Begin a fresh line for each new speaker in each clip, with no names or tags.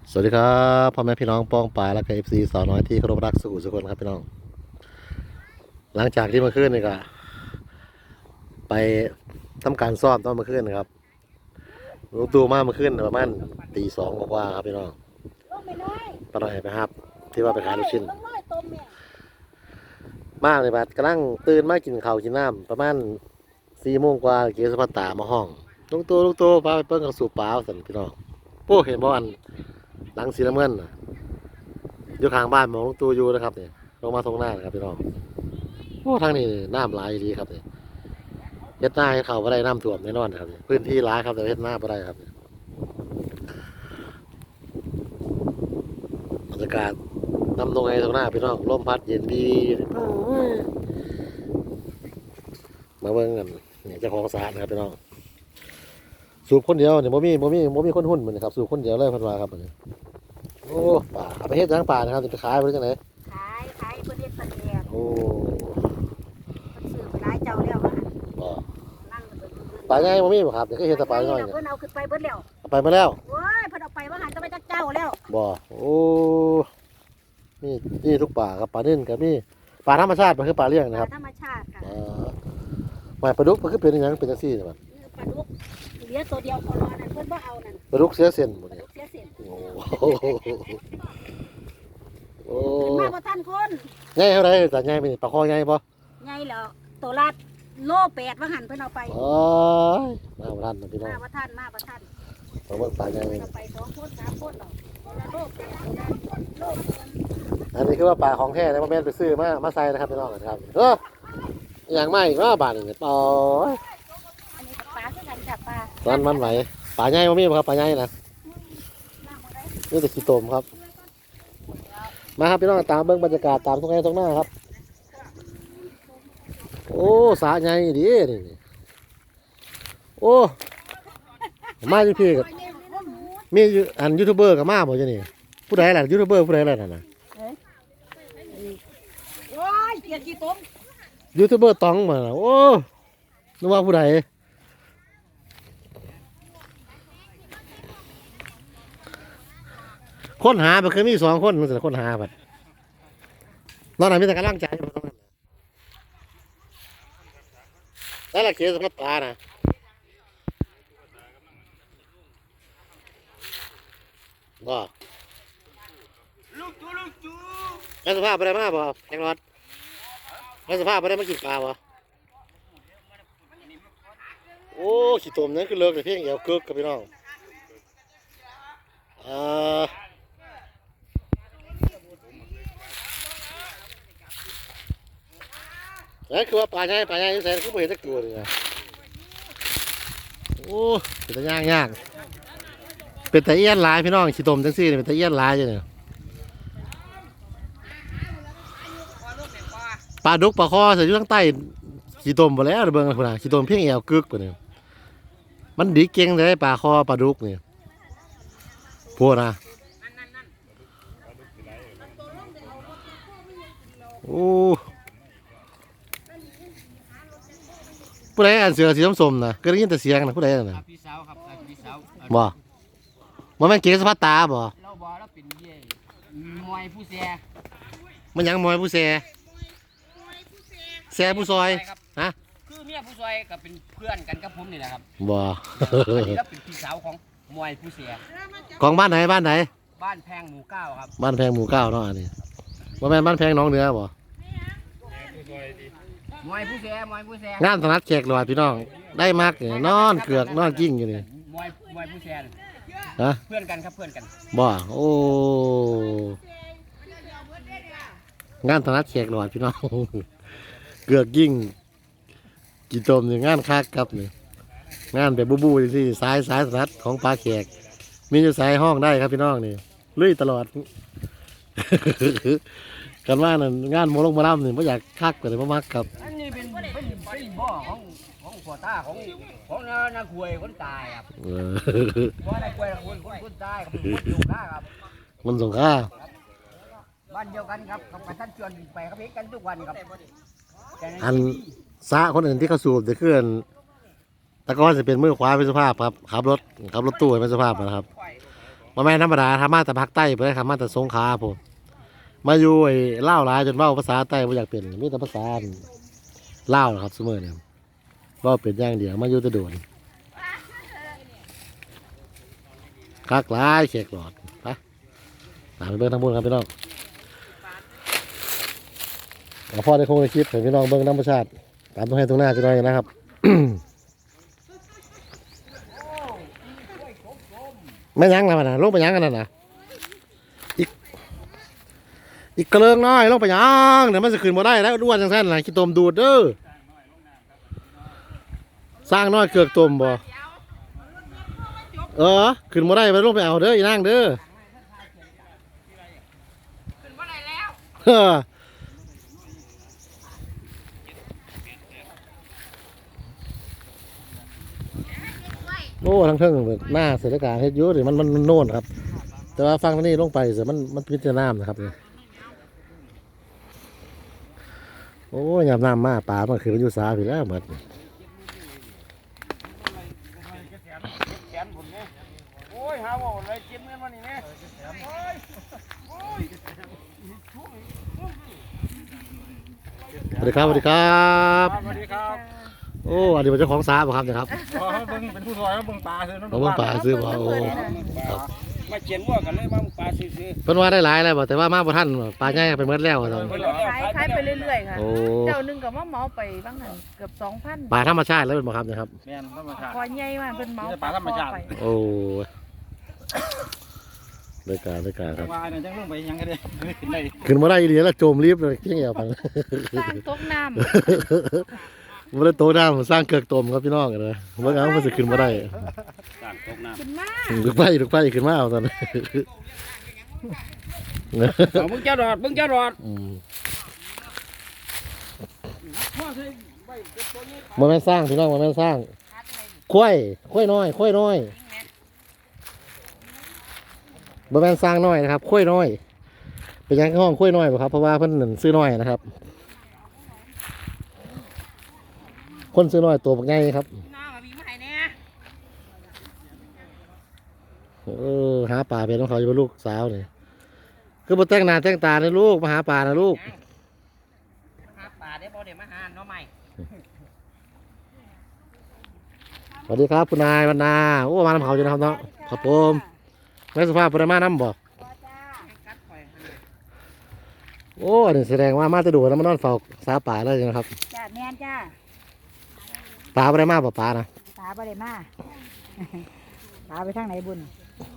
สวัสดีครับพ่อแม่พี่น้องป้องปายและก็FCสาวน้อยที่เคารพรักสู่สุขคนครับพี่น้องหลังจากที่เมื่อคืนนี่ก็ไปทำการซ่อมตอนเมื่อคืนนะครับรู้ตัวมาเมื่อคืนประมาณตีสองกว่าครับพี่น้องปหน่อยไปครับที่ว่าไปขายลูกชิ้นมากเลยบัดกำลังตื่นมากินข้าวกินน้ำประมาณ4 โมงกว่าเกี่ยวกับตามาห้องลูกตัวพาไปเปิ้งกับสูบปลาสันพี่น้องโอ้เห็นบ่อันหลังสีน้ำเงินน่ะอยู่ข้างบ้านมองลูกตัวอยู่นะครับเนี่ยลงมาตรงหน้านะครับพี่น้องโอ้ทางนี้น้ำไหลายดีครับเนี่ยเฮ็ดหน้าให้เขาบ่ได้น้ำท่วมแน่นอนครับพื้นที่ร้ายครับแต่เฮ็ดหน้าบ่ได้ครับบรรยากาศนำตรงไงตรงหน้าพี่น้องลมพัดเย็นดีมาเบิ่งกันเนี่ยเจ้าของสารนะครับพี่น้องสูบคนเดียวเนี่ยบ่มีคนหุ้นเหมือนครับสูบคนเดียวเลยพันวาครับเนี่ยโอ้ป่าเอาไปเฮ็ดทางป่านะครับจะไปขายไปจังไหน
ขายเพื่อเฮ็ดประเดี๋ยว
โอ้
มันซื้อไปหลายเจ้าแล้วว่า
บ่
นั่ง
ป่าใหญ่บ่มีบ่ครับเดี๋ยวก็เฮ็ดแต่ป่าน้อย
เพิ่นเอาขึ้นไปเบิดแล้ว
เอาไปมาแล้ว
โอ้ยเพิ่นเอาไปว่าหันจะไปจักเจ้าแล้ว
บ่โอ้นี่ทุกป่าครับป่านิ่นกับนี่ป่าธรรมชาติมันคือป่าเลี้ยงนะครับ
ธรรมชาติค่ะ
หมายปลาดุกมันคือเป็นอย่างเป็นจังซี่ใช่มั้ย
ปลาดุกเหลือตัวเดียวพอรอนั่นเพิ่นบ่เอานั่น
ปลาดุกเสียเส้นหมดเนี่ย
เสียเส้น
โอ้โอ้
มาบ่ทันคน
ใหญ่เท่าไรแต่ใหญ่เป็นปลาคอใหญ่ป่ะ
ใหญ่แล้วตัวละโล8ว่าหันเพิ่นเอาไป
อ๋อมาบ่ทันนะพี่น้อง
มาบ่ทัน
เอาเบิ่งปลาใหญ่
เพิ่นเอาไป2คน3คนหรอกคนละโลโล
อันนี้คือว่าปลาของแท้นะบ่แม่นไปซื้อมาใส่นะครับพี่น้องครับอย่างใหม่อีกว่าบาทนี่อ๋อ
อันนี้ปลาคือกันจ้ะปลา
มันไหวปลาใหญ่บ่มีบ่ครับปลาใหญ่นะนี่แต่ขี้ตมครับมาครับพี่น้องตามเบิ่งบรรยากาศตามตรงไหนตรงหน้าครับโอ้สาใหญ่ดีนี่โอ้มาอยู่พี่กับมีอันยูทูบเบอร์กับมาบ่จ้ะนี่ผู้ใดล่ะยูทูบเบอร์ผู้ใดล่ะนั่นน่ะ
โอ้ยเกลียดขี้ตม
ยูทูบเบอร์ตองมาโอ้นึกว่าผู้ใดค้นหาไปเคยมี2 คนมันจะค้นหาไปนอนไหนมีแต่กำลังใจแล้วล่ะเขียนสภาพปลานะว่าแล้วสภาพอะไรมาบ่แข่งรถแล้วสภาพอะไรมากินปลาบ่โอ้ขี้ตมนั่นคือเลิกแต่เพียงเอวเกิกกับพี่น้องนั่นคือว่าปลาใหญ่แสนคือไม่เห็นสักตัวเลยนะโอ้เป็นตะย่างเป็นตะเอี้ยนลายพี่น้องขี้ตมจังซี่เป็นตะเอี้ยนลายเนี่ยปลาดุกปลาคอใส่อยู่ทั้งใต้ขี้ตมหมดแล้วเบิ่งคนน่ะขี้ตมเพียงเอวกึกกว่านี่มันดีเก่งเลยปลาคอปลาดุกนี่พวกนะโอ้ผู้ใดอ่านเสือสีส้มๆนะก็ได้ยินแต่เสียงนะผู้ใดน่ะ
พี่สาวครับพี่สาว
บ่มันแม่นเก๋สพัดตาบ่
เราบอกเราเป็นเย่มวยผู้เสีย
มันยังมวยผู้แซ่ผู้ซอยฮะ
คือเมียผู้ซอยกับเป็นเพื่อนกันกับผมนี่แหละครับ
บ่
อันนี้เราเป็นพี่สาวของมวยผู้เสีย
ของบ้านไหนบ้าน
แพงหมู่9ครับ
บ้านแพงหมู่9เนาะอันนี้บ่แม่นบ้านแพงน้องเหนือบ่
มวยผู้เสีย
งานถนัดแขกหลอดพี่น้องได้มักนี่นอนเกือกนอนกิ้งอยู่นี่
มวยผู้เสีย
ฮะ
เพื่อนกันครับเพื่อนกัน
บ่โอ้งานถนัดแขกหลอดพี่น้องเกือกยิ่งกี่ตมนี่งานคักครับนี่งานแบบบูสิสายถนัดของปลาแขกมีอยู่สายห้องได้ครับพี่น้องนี่ลุยตลอดกันว่านั่นงานโมลงมาล่ำนี่ไม่อยากคักแต่ไม่มักครับ
อันนี้เป็นบ่อของพ่อตาของนาคุยคนตายครับบ่อนาคุยคนตายครับคนสงข้าครับ
มันสงข้า
บ้านเดียวกันครับกับท่านชวนไปครับเห็นกันทุกวันครับ
อันซะคนอื่นที่เขาสูบจะเคลื่อนตะก้อนจะเป็นมือขวาเป็นสภาพครับขับรถตู้เป็นสภาพนะครับบ่แม่นธรรมดาทำมาแต่ภาคใต้เพิ่นทำมาแต่สงขลาผมมาอยู่ไอ้ลาวหลายจนเว้าภาษาใต้บ่อยากเป็นมีแต่ภาษาลาวนะครับซุมื้อนี้เว้าเป็นอย่างเดียวมาอยู่แต่โดนคักหลายแขกหลอดไปตามไปเบิ่งทางบนครับพี่น้องเอาพ่อได้คงได้คลิปให้พี่น้องเบิ่งธรรมชาติตามตรงให้ตรงหน้าจะหน่อยนะครับ ไม่ยั้งแล้วนะลงไปยั้งกันนั่นนะอีกกระเลิงน้อยลงไปยั้งเดี๋ยวมันจะขึ้นมาได้แล้วด้วนจังสั้นนะขี้ตมดูดเด้อสร้างน้อยเกือกตมบ่ขึ้นมาได้ไปลงไปเอาเด้ออีนั่งเด้อ
ขึ้นบ่ได้แล้ว
โอ้ทั้งเทิงหน้าเสร็จการเฮ็ดเยอะเลยมันโน่นครับ แต่ว่าฟังนี่ลงไปเสียมันพิจารณานะครับเนี่ยโอ้ยยามน้ำมาป่ามันคือมันอยู่สาอยู่แล้วเหมือน
แขนผมเนี่ยโอ้ยหาว่าอะไรเจ็บเงินมานี่แม่โอ้ย
สวัสดีครับสวัสดีครับ
สวัสดีครับ
โอ้อันนี้เป็นเจ้าของสาบ่ครับเนะครับ
เบิ่งเป็นผู้ซอยเบิ่งปลาซื้อ
เราเบิ่งป่าซื้อบ่โอ้
มาเขียนว่ากันเลยมาปลาซื้อ
เพิ่นว่าได้หลายแล้วบ่แต่ว่ามาบ่ทันปลาใหญ่ไปหมดแล้วตอน
ขายไปเรื่อยๆค่ะ
โอ้
เจ้าหนึงก็มาเหมาไปบ้างหันเกือบ2,000
ปลาธรรมชาติแล้วเป็นบ่ครับนะครับ
แม่นธรรมชาติ
คอใหญ่มากเพิ่นเหมา
ปลาธรรมชาติ
ไป
โอ้ได้การครับ
ว่าเนี่ยจังลงไปยังกันเลยขึ้นได้
ขึ้นมาได้อีเดียแล้วโจมรีบเลยเพียงเอวไป
สร้างตกน้ำ
มันได้โตได้มันสร้างเกือกตมครับพี่น้องกันเลยเมื่อกี้มันจะขึ้นมาได้
สร้างตกน้ำ
ขึ้นมา
ลูกไปขึ้นมาเอาตอนนั้น
มึงจะรอดมึงจะรอด
มันไม่นสร้างพี่น้องมันไม่นสร้างค่อยน้อยบ่แม่นสร้างน้อยนะครับค่อยน้อยเป็นยังห้องค่อยน้อยบ่ครับเพราะว่าเพิ่นนั่นซื้อน้อยนะครับ คนซื้อน้อยตัวบักใหญ่ครับ
น้ามามีมาให้แน่
หาปลาเป็นของเขาอยู่กับลูกสาวนี่คือบ่แต่งหน้าแต่งตาเลยลูกมาหาปลานะลูก
หาปลาได้บ่ได้มาหาเนาะใหม่
สวัสดีครับคุณนายบรรณาโอ้มาน้ำเขาอยู่นะครับเนาะครับผมแม่สุภาพปรมาน้ำบอก
กัดข่อย
โอ้นี่แสดงว่ามาจะดูแล้วมานอนเฝ้าสาป่าเลยนะครับ
จ้าแม่นจ้า
ปลาปรมาป่าปลานะ
ปลาบ่ได้มาปลาไปทางไหนบุญ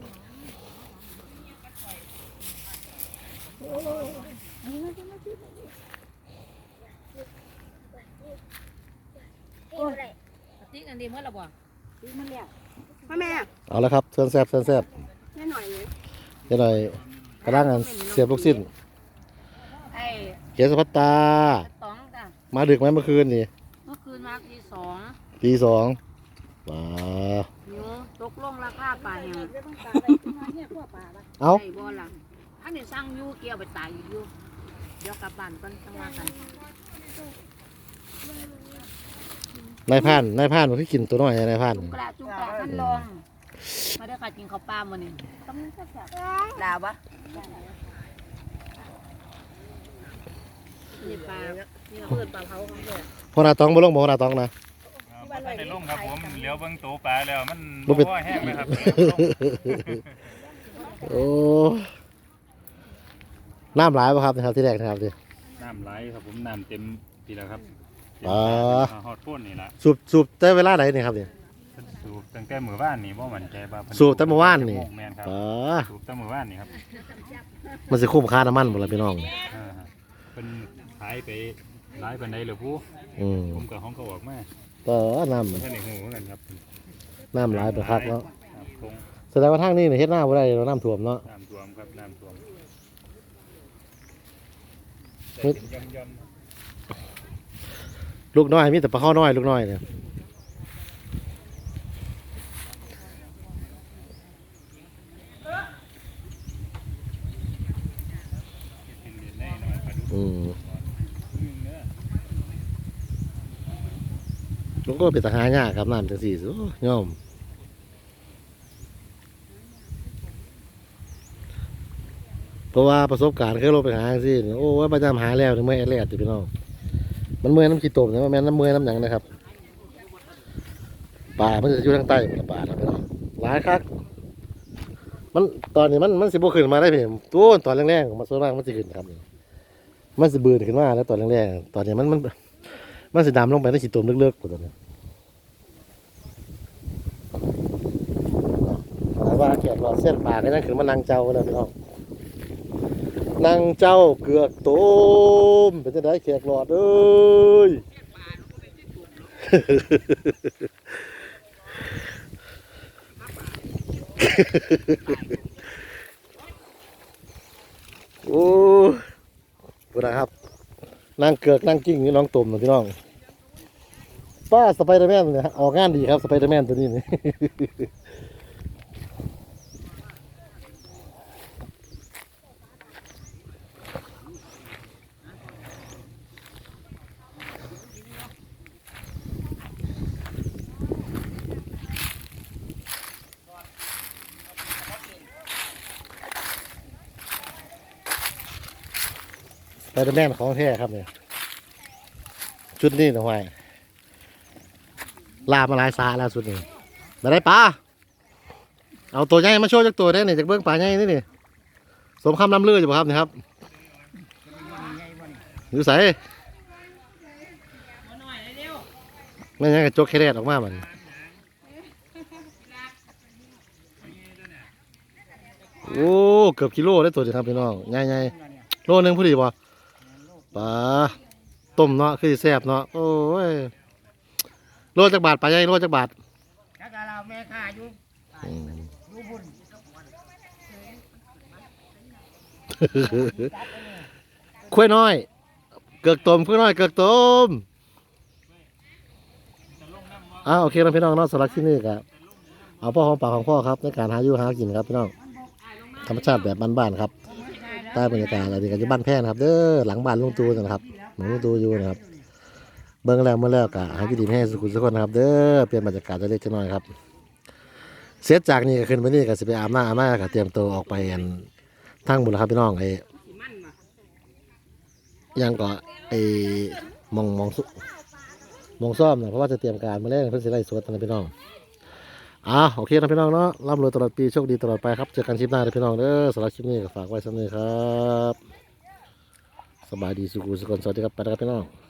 โอ้ยติ๊กอันดีเมื่อละบ่ติ๊กมันแล้วพ่อแม่
เอาละครับเชิญแซ่บ
แม่หน่อยเลย
เดี๋ยวหน่อยกระด้างกันเสียบลูกสิ้น
ไอ้
เกศพัตตา
ตองจ้ะ
มาดึกไหมเมื่อคืนนี่
เมื่อคืนมาตี2
ตีสองว้า
หนูตกลงราคาปลาแห้ง
เอา
ไอ้บ่ล่ะอันนี้สั่งอยู่เกี่ยวไปตายอยู่เดี๋ยวกลับบ้านก่อนจังว่ากัน
นายพรานมันคือกินตัวน้อยนายพราน
จุกกระท่านลองมาได้ค่ะกินข้าวปลามื้อนี้ต้องแซ่บๆลาวะนี่ปลานี่เพิ่นปลาเผาของแท้
พ่อนาตองบ่ลงบ่พ่อนาตองนะ
บ่ทันได้ลงครับผมเหลียวเบิ่งตัวปลาแล้วมัน
บ่เป็น
บ่แห้งเลยครับ
โอ้น้ำหลายป่ะครับนะครับที่แรกนะครับดิ
น้ำไหลครับผมน้ำเต็มทีแล้วครับ
อ๋อ
ฮอดพ่นนี่ละ
สูบแต่เวลาไหนนี่ครับเนี่ย
เพิ่นสูบตั้งแต่มื้อวานนี่บ่มั่นใจว่าเพิ่น
สูบแต่เมื่อวานนี่
แม่นครับ
อ๋อ
สูบแต่มื้อวานนี่ครับ
มันจะคุ้มค่าน้ำมันหมดเลยพี่น้อง
อ่าฮะเพิ่นขายไปหลายปานใดเหรอผู้
อืม
ผมก็ห้องก็ออกมา
ก็น้
บ่ทันได้ฮู้เหมือนกันครับ
ำหลายไปคักเนาะ
ครับคง
แสดงว่าทางนี้เนี่ยเฮ็ดหน้าบ่ได้เราน้ำท่วมเนาะ
น้ำท่วมครับน้ำท่วม
เฮ้ย
แต่เป็นย่อม
ลูกน้อยมีแต่ปลาข้อน้อยลูกน้อยเนี่ย
ๆเป็นเดือนได้หน่อยปลาดุก
อืม
เนื้อ
ลูกก็เป็นทหารยากครับน้ำจังสี่โอ้ย่อมเพราะว่าประสบการณ์เคยลงไปหาสิโอ้ว่าประจำหาแล้วถึงเมื่อยแรกติพี่น้องมันเมื่อยน้ำขี้ตมนะมันแม่นน้ำเมื่อยน้ำหยังนะครับป่ามันจะอยู่ทางใต้มันป่าครับพี่น้องหลายคักมันตอนนี้มันสิบขึ้นมาได้เพียงตัวตอนแรกๆมันส่วนมากมันสิขึ้นครับมันสิบืนขึ้นมาแล้วตอนแรกๆตอนนี้มันสิดำลงไปในขี้ตมลึกๆกว่าตอนนี้หมายว่าแขกเราเส้นป่าก็ยังขึ้นมานั่งเจ้ากันแล้วพี่น้องนั่งเจ้าเกือกต้มเป็นจะได้แขกหลอดเอ้ย โอ้ดูนะครับนั่งเกือกนั่งกิ้งนี่น้องตุ่มนะพี่น้องป้าสไปเดอร์แมนเนี่ยออกงานดีครับสไปเดอร์แมนตัวนี้นี่ สไปเดอร์แมนของแท้ครับเนี่ยชุดนี้นะห้วยลามาหลายสาแล้วชุดนี้มาได้ปลาเอาตัวใหญ่มาโชว์จากตัวได้เนี่ยจากเบื้องปลาใหญ่นี่นี่สมคำล้ำลืออยู่ป่ะครับนี่ครับอยู่ใส่ไม่งั้นก็จกแค่แรกออกมามันโอ้เกือบกิโลได้ตัวเดียวครับพี่น้องใหญ่ๆโลนึงพอดีป่ะปลาต้มเนาะคือสิแซ่บเนาะโอ้ยโลจักบาทปลาใหญ่โลจักบาท
ถ้าเราแม่ข้าอยู่อยู่บุญ
คุ้ยน้อยเกือกต้มคุ้ยน้อยเกือกต้มโอเคนะพี่น้องเนาะสำหรับที่นี่ครับเอาพ่อของปากของพ่อครับในการหาอยู่หากินครับพี่น้องธรรมชาติแบบบ้านๆครับใต้บรรยากาศอะไรดีกันอยู่บ้านแพร่นะครับเด้อหลังบ้านลุงตูนะครับหลวงลุงตูอยู่นะครับเบิ้งแล้วเมื่อแล้วกะหากินดีให้สุขุมสุขคนนะครับเด้อเปลี่ยนบรรยากาศจะเล็กน้อยครับเสร็จจากนี้ก็ขึ้นไปนี่ก็สิไปอาบน้ำก็เตรียมตัวออกไปกันทั้งหมดแล้วครับพี่น้องยังก็มองซ่อมนะเพราะว่าจะเตรียมการมาเล่นเพื่อสิไล่สวดนะพี่น้องโอเคนะพี่น้องเนาะร่ำรวยตลอดปีโชคดีตลอดไปครับเจอกันคลิปหน้าเลยพี่น้องเด้อสำหรับคลิปนี้ก็ฝากไว้สักนิดครับสบายดีสุขุสุขคนสวัสดีครับไปแล้วครับพี่น้อง